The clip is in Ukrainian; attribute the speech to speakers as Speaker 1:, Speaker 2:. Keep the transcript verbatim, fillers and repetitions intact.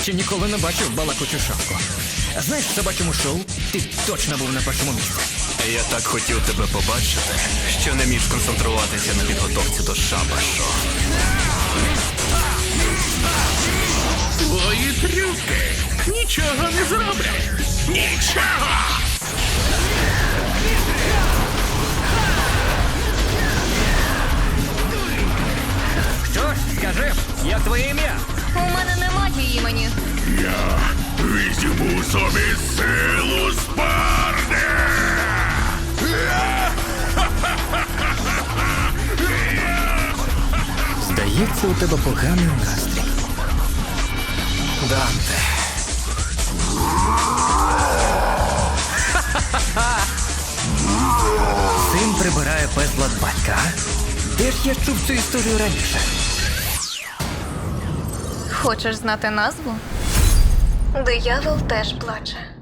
Speaker 1: Ще ніколи не бачив балакучу шапку. Знаєш, в собачому шоу ти точно був на першому місці.
Speaker 2: Я так хотів тебе побачити, що не міг сконцентруватися на підготовці до шабашу.
Speaker 3: Твої трюки нічого не зроблять. Нічого!
Speaker 1: Що ж, скажи, як твоє ім'я?
Speaker 4: У мене немає імені.
Speaker 3: Я візьму собі силу Спарти!
Speaker 1: Здається, у тебе поганий настрій.
Speaker 2: Данте.
Speaker 1: Син прибирає безлад батька. Де ж я чув цю історію раніше?
Speaker 4: Хочеш знати назву? Диявол теж плаче.